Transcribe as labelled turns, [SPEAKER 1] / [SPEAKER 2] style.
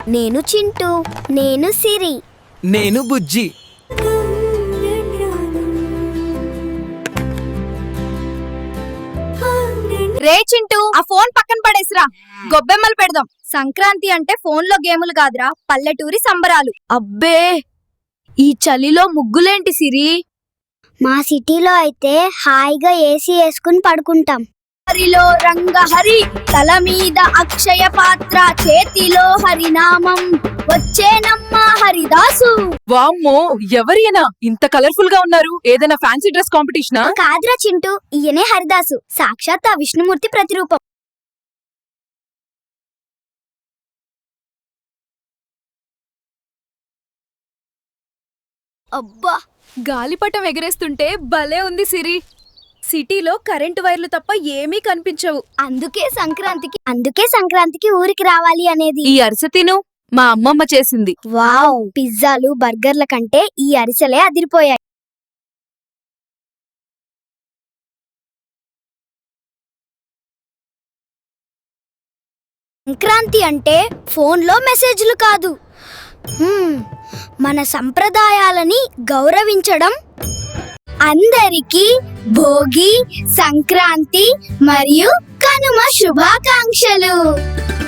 [SPEAKER 1] నేను చింటూ. నేను సిరి.
[SPEAKER 2] నేను బుజ్జి.
[SPEAKER 3] రే చింటూ, ఆ ఫోన్ పక్కన పడేసిరా, గొబ్బెమ్మలు పెడదాం. సంక్రాంతి అంటే ఫోన్లో గేములు కాదురా, పల్లెటూరి సంబరాలు. అబ్బే, ఈ చలిలో ముగ్గులేంటి సిరి?
[SPEAKER 1] మా సిటీలో అయితే హాయిగా ఏసీ వేసుకుని పడుకుంటాం.
[SPEAKER 3] హరిలో రంగహరి, తల మీద అక్షయ పాత్ర, చేతిలో హరినామం, వచ్చేనమ్మ హరిదాసు.
[SPEAKER 4] వామ్మో, ఎవరియనా ఇంత కలర్ఫుల్ గా ఉన్నారు? ఏదైనా ఫ్యాన్సీ డ్రెస్ కాంపిటీషనా?
[SPEAKER 1] కాదురా చింటూ, ఈయనే హరిదాసు, సాక్షాత్ ఆ విష్ణుమూర్తి ప్రతిరూపం.
[SPEAKER 3] అబ్బా, గాలిపటం ఎగరేస్తుంటే భలే ఉంది సిరి. సిటీలో కరెంటు వైర్లు తప్ప ఏమీ కనిపించవు.
[SPEAKER 1] అందుకే సంక్రాంతికి ఊరికి రావాలి అనేది.
[SPEAKER 4] ఈ అరిసె తిను, మా అమ్మమ్మ చేసింది.
[SPEAKER 1] వావ్, పిజ్జాలు బర్గర్ల కంటే ఈ అరిసెలే అదిరిపోయాయి. సంక్రాంతి అంటే ఫోన్లో మెసేజ్లు కాదు, మన సంప్రదాయాలని గౌరవించడం. అందరికీ భోగి, సంక్రాంతి మరియు కనుమ శుభాకాంక్షలు.